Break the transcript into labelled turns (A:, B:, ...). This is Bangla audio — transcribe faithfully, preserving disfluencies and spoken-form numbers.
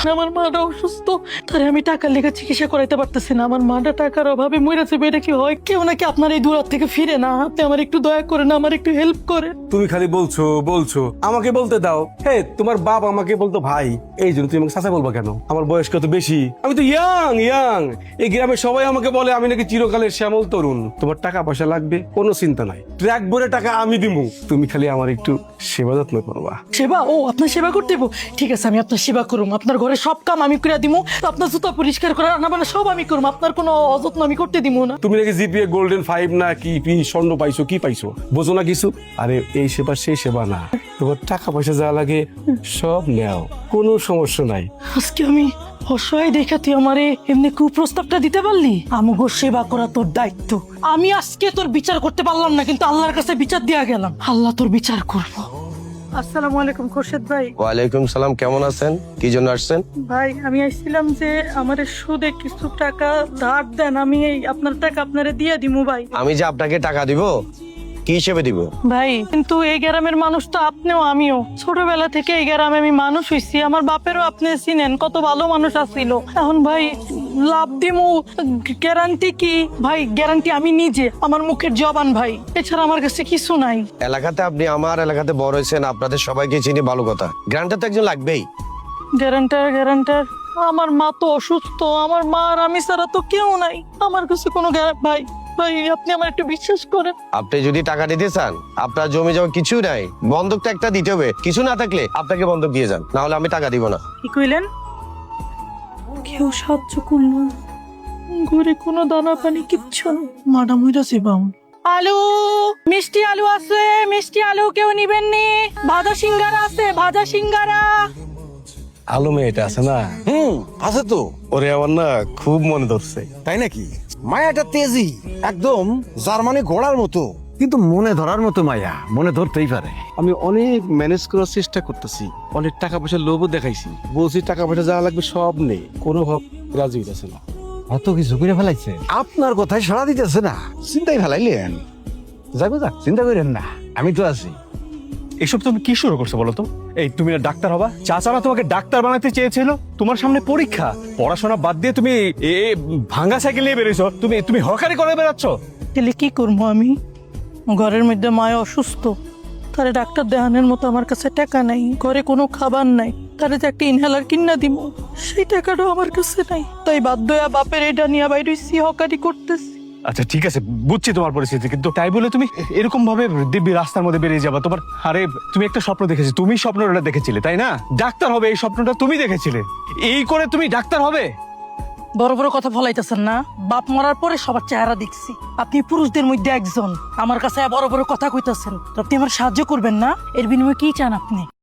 A: আমার মাটা অসুস্থ, তারে আমি টাকার লেগে চিকিৎসা করাইতে পারতেছি না। আমার মাটা টাকার অভাবে মরে যাবে, এটা কি হয়? কেউ নাকি আপনার এই দূর থেকে ফিরে না, আপনি আমার একটু দয়া করেন, আমার একটু হেল্প করেন।
B: তুমি খালি বলছো বলছো, আমাকে বলতে দাও। হে, তোমার বাপ আমাকে বলতো ভাই, এই জন্য তুমি আমাকে চাচা বলবা কেন? আমার বয়স কত বেশি, আমি তো ইয়াং ইয়াং। এই গ্রামে সবাই আমাকে বলে আমি নাকি চিরকালের শ্যামল তরুণ। তোমার টাকা পয়সা লাগবে, কোনো চিন্তা নাই, ট্র্যাক ভরে টাকা আমি দিবো, তুমি খালি আমার একটু সেবা যত্ন করবা।
A: সেবা? ও, আপনার সেবা করতে দেবো? ঠিক আছে, আমি আপনার সেবা করুম। আপনার ঘরে সব কাম আমি করে দিব, আপনার জুতা পরিষ্কার করা, রান্না বান্না সব আমি করুম। আপনার কোনো অযত্ন আমি করতে দিব না।
B: তুমি নাকি জিপিএ গোল্ডেন ফাইভ না কি পি স্বর্ণ পাইছো, কি পাইছো বোঝো না কিছু? আরে এই সেবা সেই সেবা না, তোমার টাকা পয়সা যা লাগে সব নেও, কোনো সমস্যা নাই।
A: আজকে আমি অসহায় দেখা তুই আমারে এমনি কুপ্রস্তাবটা দিতে পারলি? আমগো সেবা করা তোর দায়িত্ব। আমি আজকে তোর বিচার করতে পারলাম না, কিন্তু আল্লাহর কাছে বিচার দিয়া গেলাম, আল্লাহ তোর বিচার করবো। আসসালামু আলাইকুম খোরশেদ ভাই।
C: ওয়ালাইকুম সালাম, কেমন আছেন? কি জন্য আসছেন?
A: ভাই আমি আসছিলাম যে আমার সুদে কিছু টাকা ধার দেন, আমি এই আপনার টাকা আপনারে দিয়ে দিমু ভাই।
C: আমি যে আপনাকে টাকা দিব, কি হিসেবে দিব?
A: ভাই কিন্তু এই গ্রামের মানুষ তো আপনিও আমিও, ছোটবেলা থেকে এই গ্রামে আমি মানুষ হইছি। আমার বাপেরও আপনি চিনেন, কত ভালো মানুষ আছিল। এখন ভাই লাভ দিমু, গ্যারান্টি কি ভাই? গ্যারান্টি আমি নিজে, আমার মুখের জবান ভাই, এছাড়া আমার কাছে কিছু নাই।
C: এলাকাতে আপনি আমার এলাকাতে বড় হয়েছেন, আপনাদের সবাইকে চিনি, ভালো কথা। গ্রান্টার তো একজন লাগবেই।
A: গ্যারান্টার গ্যারান্টার আমার মা তো অসুস্থ, আমার মা আর আমি ছাড়া তো কেউ নাই, আমার কাছে কোনো গ্যারা- ভাই ভাই আপনি আমার একটু বিশ্বাস করেন।
C: আপনি যদি টাকা দিতে চান, আপনার জমি জমা কিছু নাই, বন্ধকটা একটা দিতে হবে। কিছু না থাকলে আপনাকে বন্ধক দিয়ে যান, না হলে আমি টাকা দিব না।
A: কি কইলেন? কেউ সাহায্য করলো, ঘরে কোনো দানা পানি কিচ্ছু না, মাডাম হইরাছে বাম। আলু, মিষ্টি আলু আছে, মিষ্টি আলু কেউ নিবেন নি? ভাজা সিঙ্গারা আছে, ভাজা সিঙ্গারা।
B: আলো মেয়েটা আছে না,
D: হুম, আছে তো।
B: ওরে আমার না খুব মনে ধরছে।
D: তাই নাকি? মায়াটা তেজি, একদম জার্মানি ঘোড়ার মতো। কিন্তু মনে ধরার মতো মায়া, মনে ধরতেই পারে।
B: আমি অনেক ম্যানেজ করার চেষ্টা করতেছি, অনেক টাকা পয়সার লোভও দেখাইছি, বলছি টাকা পয়সা যা লাগবে সব নেই, কোনো ভাব রাজি হইতেছে না।
D: অত কিছু করে ফেলাইছে, আপনার কথায় সাড়া দিতেছে না, চিন্তাই ফেলাইলেন। যাবো যাক, চিন্তা করেন না, আমি তো আছি।
E: এসব তুমি কি শুরু করছো বলো তো? এই তুমি না ডাক্তার হবা? চাচারা তোমাকে ডাক্তার বানাতে চেয়েছিল, তোমার সামনে পরীক্ষা, পড়াশোনা বাদ দিয়ে তুমি এ এ ভাঙা সাইকেল নিয়ে বেরিয়েছো, তুমি তুমি হকারি করে বেড়াচ্ছ।
A: তাহলে কি করবো আমি? ঘরের মধ্যে মায় অসুস্থ, তারে ডাক্তার দেখানোর মতো আমার কাছে টাকা নাই, ঘরে কোনো খাবার নাই, তারে যে একটা ইনহেলার কিনা দিব সেই টাকাটাও আমার কাছে নাই, তাই বাধ্য হয়ে বাপের এটা নিয়ে বাইরে হকারি করতেছি।
E: আচ্ছা ঠিক আছে, বুঝছি তোমার পরিস্থিতি, কিন্তু তাই বলে তুমি এরকম ভাবে দিব্যি রাস্তার মধ্যে বেরিয়ে যাবা? তোমার আরে তুমি একটা স্বপ্ন দেখেছি, তুমি স্বপ্নটা দেখেছিলে তাই না? ডাক্তার হবে এই স্বপ্নটা তুমি দেখেছিলে, এই করে তুমি ডাক্তার হবে?
A: বড় বড় কথা ফলাইতেছেন না, বাপ মরার পরে সবার চেহারা দেখছি, আপনি পুরুষদের মধ্যে একজন, আমার কাছে বড় বড় কথা কইতাছেন, তো আপনি আমার সাহায্য করবেন না? এর বিনিময়ে কি চান আপনি?